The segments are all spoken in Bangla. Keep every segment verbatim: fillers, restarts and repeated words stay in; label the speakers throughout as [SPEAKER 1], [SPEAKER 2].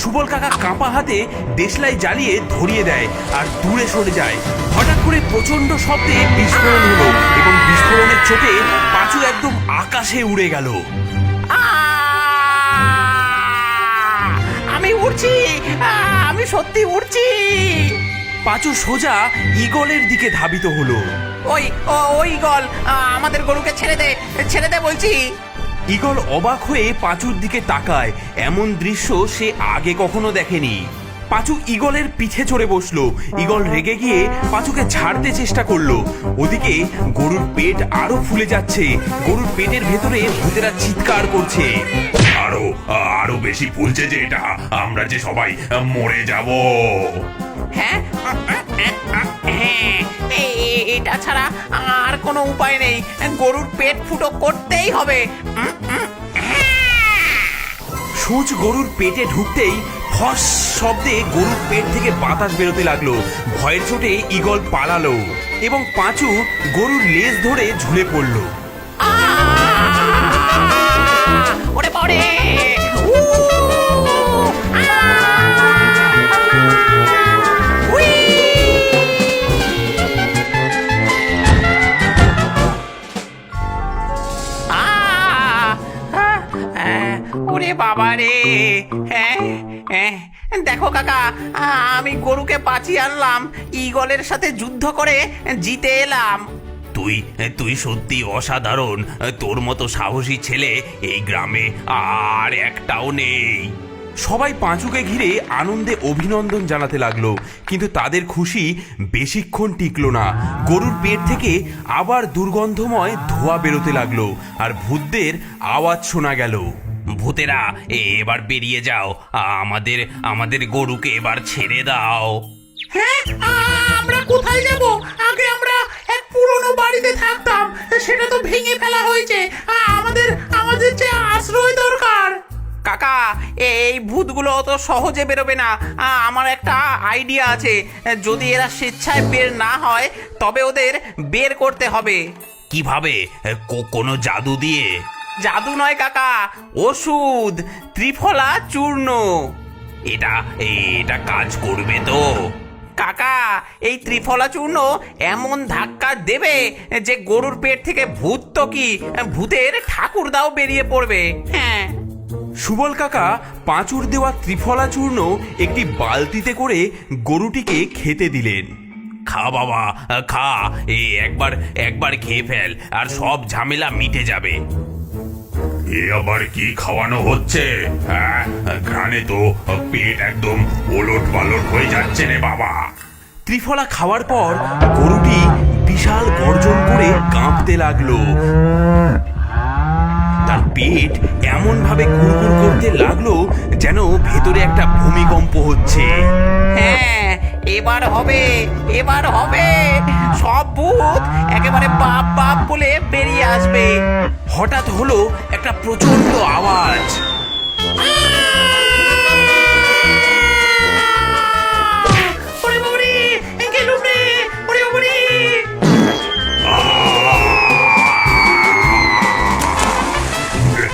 [SPEAKER 1] সুবল কাকা কাঁপা হাতে দেশলাই জ্বালিয়ে ধরিয়ে দেয় আর দূরে সরে যায়। হঠাৎ করে প্রচন্ড শব্দে বিস্ফোরণ হলো এবং বিস্ফোরণের চোটে পাঁচু একদম আকাশে উড়ে গেল।
[SPEAKER 2] আমি উড়ছি, আমি সত্যি উড়ছি।
[SPEAKER 1] পাঁচু সোজা ঈগলের দিকে ধাবিত হলো।
[SPEAKER 2] ওই ওই ঈগল, আমাদের গরুকে ছেড়ে দে, ছেড়ে দে বলছি।
[SPEAKER 1] ঈগল অবাক হয়ে পাঁচুর দিকে তাকায়। এমন দৃশ্য সে আগে কখনো দেখেনি। পাঁচু ঈগলের পিঠে চড়ে বসলো। ঈগল রেগে গিয়ে পাঁচুকে ছাড়তে চেষ্টা করলো। ওদিকে গরুর পেট আরো ফুলে যাচ্ছে। গরুর পেটের ভেতরে ভূতেরা চিৎকার করছে।
[SPEAKER 3] আরো আরো বেশি ফুলছে যে এটা, আমরা যে সবাই মরে যাব।
[SPEAKER 2] হ্যাঁ, এটা ছাড়া আর কোনো উপায় নেই, গরুর পেট ফুটো করতেই হবে।
[SPEAKER 1] সূচ গরুর পেটে ঢুকতেই ফস শব্দে গরুর পেট থেকে বাতাস বেরোতে লাগলো। ভয়ের চোটে ঈগল পালালো এবং পাঁচু গরুর লেজ ধরে ঝুলে পড়লো।
[SPEAKER 2] ওরে বাবারে! ওরে বাবা রে! হ্যাঁ, দেখো কাকা, আমি গরুকে বাঁচিয়ে আনলাম, ঈগলের সাথে যুদ্ধ করে জিতে এলাম।
[SPEAKER 1] তুই তুই সত্যি অসাধারণ। তোর মতো সাহসী ছেলে এই গ্রামে আর একটাও নেই। সবাই পাঁচুকে ঘিরে আনন্দে অভিনন্দন জানাতে লাগলো, কিন্তু তাদের খুশি বেশিক্ষণ টিকলো না। গরুর পেট থেকে আবার দুর্গন্ধময় ধোঁয়া বেরোতে লাগলো আর ভূতদের আওয়াজ শোনা গেল। ভূতেরা, এবার বেরিয়ে যাও, আমাদের আমাদের গরুকে এবার ছেড়ে দাও।
[SPEAKER 2] হ্যাঁ, আমরা কোথায় যাব? আগে আমরা এক পুরনো বাড়িতে থাকতাম, সেটা তো ভেঙে ফেলা হয়েছে। আমাদের আমাদের যে আশ্রয় দরকার। কাকা, এই ভূতগুলো অত সহজে বেরোবে না। আমার একটা আইডিয়া আছে, যদি এরা স্বেচ্ছায় বের না হয় তবে ওদের বের করতে হবে।
[SPEAKER 1] কিভাবে? কোনো জাদু দিয়ে?
[SPEAKER 2] জাদু নয় কাকা, ওষুধ, ত্রিফলা চূর্ণ।
[SPEAKER 1] এটা এটা কাজ করবে তো?
[SPEAKER 2] কাকা, এই ত্রিফলা চূর্ণ এমন ধাক্কা দেবে যে গরুর পেট থেকে ভূত তো কি, ভূতের ঠাকুরদাও বেরিয়ে পড়বে। হ্যাঁ।
[SPEAKER 1] সুবল কাকা পাঁচুর দেওয়া ত্রিফলা চূর্ণ একটি বালতিতে করে গরুটিকে খেতে দিলেন। খা বাবা, খা, এই একবার একবার খেয়ে ফেল আর সব ঝামেলা মিটে যাবে।
[SPEAKER 3] এ আবার কি খাওয়ানো হচ্ছে? হ্যাঁ, ঘ্রাণে তো পেট একদম ওলট পালট হয়ে যাচ্ছে রে বাবা।
[SPEAKER 1] ত্রিফলা খাওয়ার পর গরুটি বিশাল গর্জন করে কাঁপতে লাগলো। তার পেট এমন ভাবে কুড়কুড় করতে লাগলো যেন ভেতরে একটা ভূমিকম্প হচ্ছে।
[SPEAKER 2] হ্যাঁ, এবার হবে, এবার হবে, সব ভূত একেবারে বাপ বাপ বলে বেরিয়ে আসবে।
[SPEAKER 1] হঠাৎ হলো একটা প্রচন্ড আওয়াজ।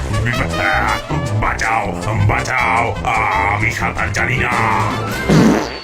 [SPEAKER 3] বাঁচাও, বাঁচাও, আমি সাঁতার জানি না।